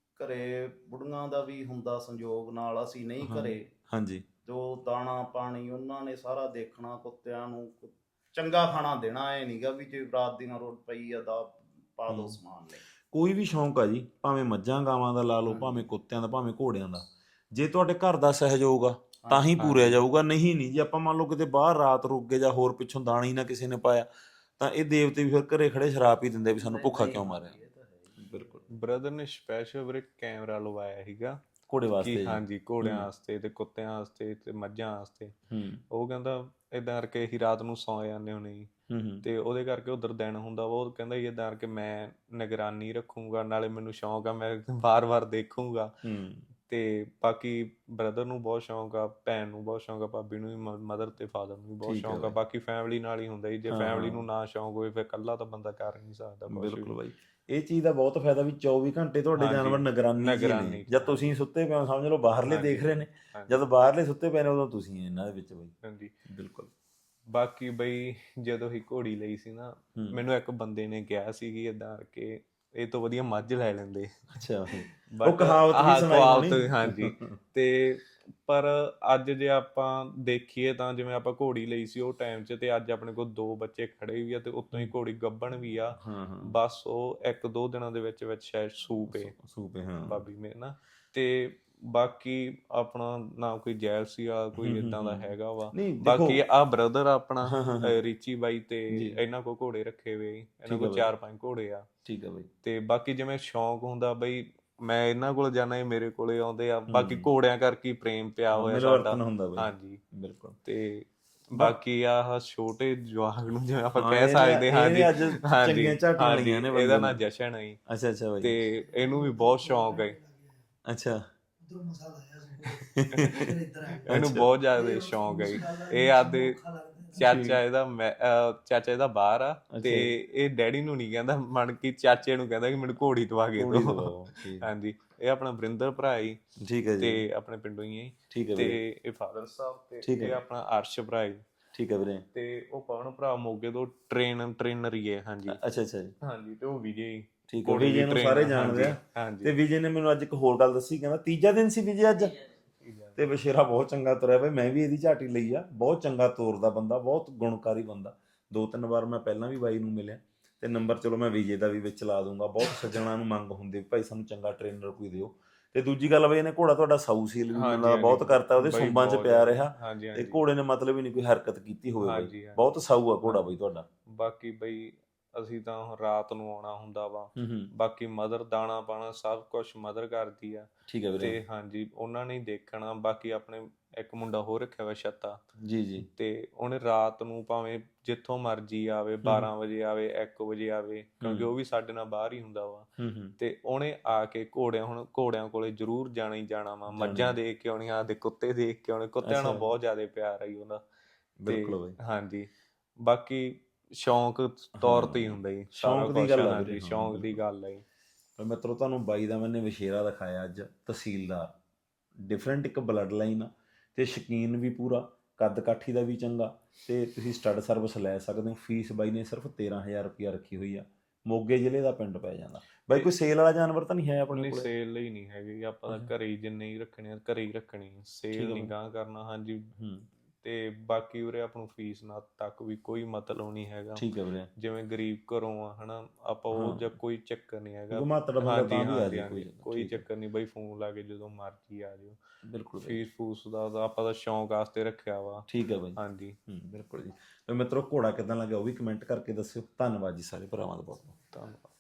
ਘਰੇ ਬੁੜੀਆਂ ਦਾ ਵੀ ਹੁੰਦਾ ਸੰਯੋਗ ਨਾਲ, ਅਸੀਂ ਨਹੀਂ ਹਾਂ। ਘਰੇ। ਹਾਂਜੀ। ਜੋ ਦਾਣਾ ਪਾਣੀ ਉਹਨਾਂ ਨੇ ਸਾਰਾ ਦੇਖਣਾ, ਕੁੱਤਿਆਂ ਨੂੰ ਚੰਗਾ ਖਾਣਾ ਦੇਣਾ। ਐ ਨਹੀਂਗਾ ਵੀ ਜੇ ਰਾਤ ਦੀ ਨਾ ਰੋਟ ਪਈ ਆ ਦਾ ਪਾ ਦੋ ਹੂੰ। ਸਮਾਨ ਲਈ। ਕੋਈ ਵੀ ਸ਼ੌਂਕ ਆ ਜੀ, ਭਾਵੇਂ ਮੱਝਾਂ ਗਾਵਾਂ ਦਾ ਲਾ ਲਓ, ਹਾਂਜੀ। ਭਾਵੇਂ ਕੁੱਤਿਆਂ ਦਾ, ਭਾਵੇਂ ਘੋੜਿਆਂ ਦਾ, ਜੇ ਤੁਹਾਡੇ ਘਰ ਦਾ ਸਹਿਯੋਗ ਆ ਤਾਂ ਹੀ ਹਾਂਜੀ। ਪੂਰਿਆ ਹਾਂਜੀ। ਜਾਊਗਾ। ਨਹੀਂ ਨਹੀਂ ਜੇ ਆਪਾਂ ਮੰਨ ਲਓ ਕਿਤੇ ਬਾਹਰ ਰਾਤ ਰੁਕ ਗਏ ਜਾਂ ਹੋਰ ਪਿੱਛੋਂ ਦਾਣਾ ਹੀ ਨਾ ਕਿਸੇ ਨੇ ਪਾਇਆ, ਤਾਂ ਇਹ ਦੇਵਤੇ ਵੀ ਫਿਰ ਘਰੇ ਖੜੇ ਸ਼ਰਾਪ ਹੀ ਦਿੰਦੇ ਵੀ ਸਾਨੂੰ ਨਹੀਂ ਭੁੱਖਾ ਨਹੀਂ ਕਿਉਂ ਹਾਂਜੀ, ਮਾਰਿਆ। ਇਹ ਤਾਂ ਹੈ ਹੀ। ਬਿਲਕੁਲ। ਬ੍ਰਦਰ ਨੇ ਸਪੈਸ਼ਲ ਵੀਰੇ ਕੈਮਰਾ ਲਵਾਇਆ ਸੀਗਾ ਘੋੜੇ ਕਿ ਵਾਸਤੇ ਜੀ। ਹਾਂਜੀ ਘੋੜਿਆਂ ਹੂੰ। ਵਾਸਤੇ ਤੇ ਕੁੱਤਿਆਂ ਵਾਸਤੇ ਤੇ ਮੱਝਾਂ ਵਾਸਤੇ। ਹੂੰ ਉਹ ਕਹਿੰਦਾ ਏਦਾਂ ਕਰਕੇ ਅਸੀਂ ਰਾਤ ਨੂੰ ਸੌਂ ਜਾਂਦੇ ਹੁੰਦੇ ਜੀ, ਹੂੰ ਹੂੰ ਤੇ ਉਹਦੇ ਕਰਕੇ ਉਧਰ ਦਿਨ ਹੁੰਦਾ ਵਾ। ਉਹ ਕਹਿੰਦਾ ਏਦਾਂ ਕਰਕੇ ਮੈਂ ਨਿਗਰਾਨੀ ਰੱਖੂੰਗਾ, ਨਾਲੇ ਮੈਨੂੰ ਸ਼ੌਂਕ ਆ, ਮੈਂ ਵਾਰ-ਵਾਰ ਦੇਖੂੰਗਾ। ਹੂੰ। ਤੇ ਬਾਕੀ ਬ੍ਰਦਰ ਨੂੰ ਬਹੁਤ ਸ਼ੌਂਕ ਆ, ਭੈਣ ਨੂੰ ਬਹੁਤ ਸ਼ੌਂਕ ਆ, ਭਾਬੀ ਨੂੰ ਵੀ, ਮਦਰ ਤੇ ਫਾਦਰ ਨੂੰ ਵੀ ਬਹੁਤ ਠੀਕ ਹੈ ਸ਼ੌਂਕ ਆ। ਬਾਈ। ਬਾਕੀ ਫੈਮਿਲੀ ਨਾਲ ਹੀ ਹੁੰਦਾ ਜੀ। ਜੇ ਹਾਂ ਫੈਮਿਲੀ ਹਾਂ ਨੂੰ ਨਾ ਸ਼ੌਂਕ ਹੋਵੇ ਫਿਰ ਇਕੱਲਾ ਤਾਂ ਬੰਦਾ ਕਰ ਨਹੀਂ ਸਕਦਾ ਕੁਛ ਬਿਲਕੁਲ ਵੀ। ਬਾਈ। ਇਹ ਚੀਜ਼ ਦਾ ਬਹੁਤ ਫਾਇਦਾ ਵੀ ਚੌਵੀ ਘੰਟੇ ਤੁਹਾਡੇ ਹਾਂਜੀ, ਜਾਨਵਰ ਨਿਗਰਾਨੀ 'ਚ ਹੀ ਨੇ। ਨਿਗਰਾਨੀ 'ਚ, ਜਦ ਤੁਸੀਂ ਸੁੱਤੇ ਪਏ ਹੋ ਸਮਝ ਲਓ ਬਾਹਰਲੇ ਹਾਂਜੀ, ਦੇਖ ਰਹੇ ਨੇ, ਹਾਂਜੀ, ਜਦ ਬਾਹਰਲੇ ਸੁੱਤੇ ਪਏ ਨੇ ਉਦੋਂ ਤੁਸੀਂ ਇਹਨਾਂ ਦੇ ਵਿੱਚ ਬਾਈ। ਹਾਂਜੀ। ਬਿਲਕੁਲ। ਬਾਕੀ ਬਈ ਜਦੋਂ ਹੀ ਘੋੜੀ ਲਈ ਸੀ ਨਾ, ਹੂੰ। ਮੈਨੂੰ ਇੱਕ ਬੰਦੇ ਨੇ ਕਿਹਾ ਸੀ ਕਿ ਏਦਾਂ ਕਰਕੇ ਇਹ ਤੋਂ ਵਧੀਆ ਮੱਝ ਲੈ ਲੈਂਦੇ। ਅੱਛਾ ਬਾਈ। ਉਹ ਬਟ ਕਹਾਵਤ ਵੀ ਆਹ ਸੁਣਾਈ ਕਹਾਵਤ, ਹੋਣੀ। ਹਾਂਜੀ। ਤੇ ਪਰ ਅੱਜ ਜੇ ਆਪਾਂ ਦੇਖੀਏ ਤਾਂ ਜਿਵੇਂ ਆਪਾਂ ਘੋੜੀ ਲਈ ਸੀ ਉਹ ਟਾਈਮ 'ਚ, ਤੇ ਅੱਜ ਆਪਣੇ ਕੋਲ ਦੋ ਬੱਚੇ ਖੜੇ ਵੀ ਆ ਤੇ ਉੱਤੋਂ ਹੀ ਘੋੜੀ ਗੱਭਣ ਵੀ ਆ। ਹਾਂ ਹਾਂ। ਬਸ ਉਹ ਇੱਕ ਦੋ ਦਿਨਾਂ ਦੇ ਵਿੱਚ ਵਿੱਚ ਸ਼ਾਇਦ ਸੂ ਪਏ ਸੂਪੇ ਹਾਂ। ਬਾਬੀ ਮੇਰੇ ਨਾ। ਤੇ ਬਾਕੀ ਆਪਣਾ ਨਾ ਕੋਈ ਜੈਲਸੀ ਆ, ਕੋਈ ਏਦਾਂ ਦਾ ਹੈਗਾ ਵਾ। ਨਹੀਂ ਦੇਖੋ। ਬਾਕੀ ਆਹ ਬ੍ਰਦਰ ਆਪਣਾ ਹਾਂ ਹਾਂ ਹਾਂ। ਅਹ ਰੀਚੀ ਬਾਈ, ਤੇ ਜੀ। ਇਹਨਾਂ ਕੋਲ ਘੋੜੇ ਰੱਖੇ ਹੋਏ, ਇਹਨਾਂ ਠੀਕ ਆ ਕੋਲ ਬਾਈ। ਚਾਰ ਪੰਜ ਘੋੜੇ ਆ। ਠੀਕ ਆ ਬਾਈ। ਤੇ ਬਾਕੀ ਜਿਵੇਂ ਸ਼ੌਂਕ ਹੁੰਦਾ ਬਈ, ਮੈਂ ਇਹਨਾਂ ਕੋਲ ਜਾਣਾ, ਇਹ ਮੇਰੇ ਕੋਲੇ ਆਉਂਦੇ ਆ। ਬਾਕੀ ਹੂੰ। ਘੋੜਿਆਂ ਕਰਕੇ ਹੀ ਪ੍ਰੇਮ ਪਿਆ ਹਾਂ, ਹੋਇਆ ਮਿਲਵਰਤਨ ਸਾਡਾ। ਹੁੰਦਾ ਬਾਈ। ਹਾਂਜੀ। ਬਿਲਕੁਲ। ਤੇ ਬਾ- ਬਾਕੀ ਆਹ ਛੋਟੇ ਜਵਾਕ ਨੂੰ ਜਿਵੇਂ ਆਪਾਂ ਹਾਂ, ਕਹਿ ਇਹਨੇ- ਸਕਦੇ, ਹਾਂਜੀ ਇਹਨੇ ਅੱਜ ਹਾਂਜੀ ਚੰਗੀਆਂ ਝਾਟੀਆਂ ਹਾਂਜੀ, ਲਈਆਂ ਨੇ ਇਹਦਾ ਬੰਦੇ ਨਾਂ ਨੇ। ਜਸ਼ਨ ਹੈ ਜੀ। ਅੱਛਾ ਅੱਛਾ ਬਾਈ। ਤੇ ਇਹਨੂੰ ਵੀ ਬਹੁਤ ਸ਼ੌਂਕ ਹੈ। ਅੱਛਾ। ਇਹਨੂੰ ਬਹੁਤ ਜ਼ਿਆਦਾ ਸ਼ੌਂਕ ਹੈ ਜੀ। ਇਹ ਆਦੇ ਚਾਚਾ ਇਹਦਾ ਮੈਂ ਅਹ ਚਾਚਾ ਇਹਦਾ ਬਾਹਰ ਆ, ਤੇ ਇਹ ਡੈਡੀ ਨੂੰ ਨਹੀਂ ਕਹਿੰਦਾ, ਮਨ ਕੀ ਚਾਚੇ ਨੂੰ ਕਹਿੰਦਾ ਕਿ ਮੈਨੂੰ ਘੋੜੀ ਦਵਾ ਕੇ ਘੋੜੀ ਦਿਓ। ਦਵਾਓ, ਠੀਕ। ਹਾਂਜੀ। ਇਹ ਆਪਣਾ ਵਰਿੰਦਰ ਭਰਾ ਜੀ, ਠੀਕ ਹੈ ਜੀ। ਤੇ ਆਪਣੇ ਪਿੰਡੋਂ ਹੀ ਹੈ। ਠੀਕ ਹੈ ਤੇ ਵੀਰੇ। ਇਹ ਫਾਦਰ ਸਾਹਿਬ, ਤੇ ਠੀਕ ਹੈ। ਇਹ ਆਪਣਾ ਅਰਸ਼ ਭਰਾ ਜੀ। ਠੀਕ ਹੈ ਵੀਰੇ। ਤੇ ਉਹ ਪਵਨ ਭਰਾ ਮੋਗੇ ਤੋਂ ਟ੍ਰੇਨ ਟ੍ਰੇਨਰ ਹੀ ਹੈ। ਹਾਂਜੀ ਅੱਛਾ ਅੱਛਾ ਜੀ। ਹਾਂਜੀ। ਤੇ ਉਹ ਵਿਜੇ ਜੀ। ਠੀਕ ਹੈ, ਘੋੜੇ ਦੀ ਵਿਜੇ ਨੂੰ train ਸਾਰੇ ਆ, ਜਾਣਦੇ ਆ। ਹਾਂਜੀ, ਹਾਂਜੀ। ਤੇ ਵਿਜੇ ਨੇ ਮੈਨੂੰ ਅੱਜ ਇੱਕ ਹੋਰ ਗੱਲ ਦੱਸੀ, ਕਹਿੰਦਾ ਤੀਜਾ ਦਿਨ ਸੀ ਵਿਜੇ ਅੱਜ, ਤੇ ਵਛੇਰਾ ਬਹੁਤ ਚੰਗਾ ਤੁਰਿਆ ਬਈ, ਮੈਂ ਵੀ ਇਹਦੀ ਝਾਟੀ ਲਈ ਆ, ਬਹੁਤ ਚੰਗਾ ਤੋਰਦਾ ਬੰਦਾ, ਬਹੁਤ ਗੁਣਕਾਰੀ ਬੰਦਾ। ਦੋ ਤਿੰਨ ਵਾਰ ਮੈਂ ਪਹਿਲਾਂ ਵੀ ਬਾਈ ਨੂੰ ਮਿਲਿਆ, ਤੇ ਨੰਬਰ ਚਲੋ ਮੈਂ ਵਿਜੇ ਦਾ ਵੀ ਵਿੱਚ ਲਾ ਦੂੰਗਾ। ਬਹੁਤ ਸੱਜਣਾ ਨੂੰ ਮੰਗ ਹੁੰਦੀ ਵੀ ਭਾਈ ਸਾਨੂੰ ਚੰਗਾ ਟ੍ਰੇਨਰ ਕੋਈ ਦਿਓ। ਤੇ ਦੂਜੀ ਗੱਲ ਬਈ ਇਹਨੇ ਘੋੜਾ ਤੁਹਾਡਾ ਸਾਊ ਸੀਲ ਵੀ ਮੈਨੂੰ ਹਾਂਜੀ, ਲੱਗਦਾ ਬਹੁਤ ਹਾਂਜੀ, ਕਰਤਾ, ਉਹਦੇ ਬਈ ਸੁੰਬਾਂ 'ਚ ਬਹੁਤ ਪਿਆ ਜ਼ਿਆਦਾ। ਰਿਹਾ, ਹਾਂਜੀ, ਤੇ ਹਾਂਜੀ, ਘੋੜੇ ਨੇ ਮਤਲਬ ਹੀ ਨਹੀਂ ਕੋਈ ਹਰਕਤ ਕੀਤੀ ਹੋਵੇ ਬਈ, ਹਾਂਜੀ, ਹਾਂਜੀ। ਬਹੁਤ ਸਾਊ ਆ ਘੋੜਾ ਹਾਂਜੀ। ਬਈ ਤੁਹਾਡਾ। ਬਾਕੀ ਬਈ ਅਸੀਂ ਤਾਂ ਹੁਣ ਰਾਤ ਨੂੰ ਆਉਣਾ ਹੁੰਦਾ ਵਾ, ਹੂੰ ਹੂੰ ਬਾਕੀ ਮਦਰ ਦਾਣਾ ਪਾਣਾ ਸਭ ਕੁਛ ਮਦਰ ਕਰਦੀ ਆ। ਠੀਕ ਹੈ ਵੀਰੇ। ਤੇ ਹਾਂਜੀ ਉਹਨਾਂ ਨੇ ਹੀ ਦੇਖਣਾ। ਬਾਕੀ ਆਪਣੇ ਇੱਕ ਮੁੰਡਾ ਹੋਰ ਰੱਖਿਆ ਵਾ ਛੱਤਾ, ਜੀ ਜੀ। ਤੇ ਉਹਨੇ ਰਾਤ ਨੂੰ ਭਾਵੇਂ ਜਿੱਥੋਂ ਮਰਜ਼ੀ ਆਵੇ, ਬਾਰਾਂ ਵਜੇ ਆਵੇ, ਇੱਕ ਵਜੇ ਆਵੇ, ਕਿਉਂਕਿ ਉਹ ਵੀ ਸਾਡੇ ਨਾਲ ਬਾਹਰ ਹੀ ਹੁੰਦਾ ਵਾ, ਹੂੰ ਹੂੰ ਤੇ ਉਹਨੇ ਆ ਕੇ ਘੋੜਿਆਂ ਹੁਣ ਘੋੜਿਆਂ ਕੋਲੇ ਜ਼ਰੂਰ ਜਾਣਾ ਹੀ ਜਾਣਾ ਵਾ। ਮੱਝਾਂ ਦੇਖ ਕੇ ਆਉਣੀਆਂ, ਆਪਦੇ ਕੁੱਤੇ ਦੇਖ ਕੇ ਆਉਣੇ, ਕੁੱਤਿਆਂ ਨਾਲ ਅੱਛਾ। ਬਹੁਤ ਜ਼ਿਆਦਾ ਪਿਆਰ ਆਈ ਉਹਦਾ। ਬਿਲਕੁਲ ਤੇ ਬਾਈ। ਹਾਂਜੀ ਬਾਕੀ ਸ਼ੌਂਕ ਤੌਰ ਤੇ ਹੀ ਹਾਂ, ਹੁੰਦਾ ਜੀ ਸਾਰਾ ਸ਼ੌਂਕ ਦੀ ਕੁਛ। ਗੱਲ ਆ ਵੀਰੇ। ਹਾਂਜੀ ਹਾਂ ਸ਼ੌਂਕ ਦੀ ਬਿਲਕੁਲ। ਗੱਲ ਹੈ ਜੀ। ਪਰ ਮਿੱਤਰੋ ਤੁਹਾਨੂੰ ਬਾਈ ਦਾ ਮੈਨੇ ਵਛੇਰਾ ਦਿਖਾਇਆ ਅੱਜ, ਤਹਿਸੀਲਦਾਰ, ਡਿਫਰੈਂਟ ਇੱਕ ਬਲੱਡ ਲਾਈਨ ਆ, ਤੇ ਸ਼ੌਕੀਨ ਵੀ ਪੂਰਾ, ਕੱਦ ਕਾਠੀ ਦਾ ਵੀ ਚੰਗਾ, ਤੇ ਤੁਸੀਂ ਸਟੱਡ ਸਰਵਿਸ ਲੈ ਸਕਦੇ ਹੋ। ਫੀਸ ਬਾਈ ਨੇ ਸਿਰਫ ਤੇਰਾਂ ਹਜ਼ਾਰ ਰੁਪਇਆ ਰੱਖੀ ਹੋਈ ਆ। ਮੋਗੇ ਜ਼ਿਲ੍ਹੇ ਦਾ ਪਿੰਡ ਪੈ ਜਾਂਦਾ ਬਾਈ। ਕੋਈ ਸੇਲ ਵਾਲਾ ਜਾਨਵਰ ਤਾਂ ਨਹੀਂ ਹੈ ਆਪਣੇ ਨਹੀਂ ਕੋਲ? ਸੇਲ ਲਈ ਨਹੀਂ ਹੈਗੀ, ਆਪਾਂ ਤਾਂ ਘਰੇ ਹੀ ਜਿੰਨੇ ਹੀ ਰੱਖਣੇ ਆ ਘਰੇ ਹੀ ਰੱਖਣੇ ਆ, ਸੇਲ ਨਹੀਂ ਗਾਂ ਕਰਨਾ। ਹਾਂਜੀ। ਹੂੰ ਤੇ ਬਾਕੀ ਉਰੇ ਆਪਾਂ ਨੂੰ ਫੀਸ ਨਾਲ ਤੱਕ ਵੀ ਕੋਈ ਮਤਲਬ ਨਹੀਂ ਹੈਗਾ। ਠੀਕ ਹੈ ਵੀਰੇ। ਜਿਵੇਂ ਗਰੀਬ ਘਰੋਂ ਆ ਹਨਾ ਆਪਾਂ, ਉਹ ਜਾਂ ਕੋਈ ਚੱਕਰ ਨਹੀਂ ਹੈਗਾ। ਘੁਮਾਤੜ ਬੰਦਾ ਹਾਂਜੀ ਤਾਂ ਵੀ ਆ ਹਾਂਜੀ ਜੇ ਕੋਈ ਹਾਂਜੀ ਕੋਈ ਠੀਕ ਹੈ। ਚੱਕਰ ਨਹੀਂ ਬਈ, ਫੋਨ ਲਾ ਕੇ ਜਦੋਂ ਮਰਜ਼ੀ ਆ ਜਾਓ। ਬਿਲਕੁਲ ਬਾਈ। ਫੀਸ ਫੂਸ ਦਾ ਤਾਂ ਆਪਾਂ ਤਾਂ ਸ਼ੌਂਕ ਵਾਸਤੇ ਰੱਖਿਆ ਵਾ। ਠੀਕ ਹੈ ਬਾਈ। ਹਾਂਜੀ ਹੂੰ ਬਿਲਕੁਲ ਜੀ। ਤੇ ਮਿੱਤਰੋ ਘੋੜਾ ਕਿੱਦਾਂ ਲੱਗਿਆ ਉਹ ਵੀ ਕਮੈਂਟ ਕਰਕੇ ਦੱਸਿਓ। ਧੰਨਵਾਦ ਜੀ ਸਾਰੇ ਭਰਾਵਾਂ ਦਾ ਬਹੁਤ ਬਹੁਤ। ਧੰਨਵਾਦ।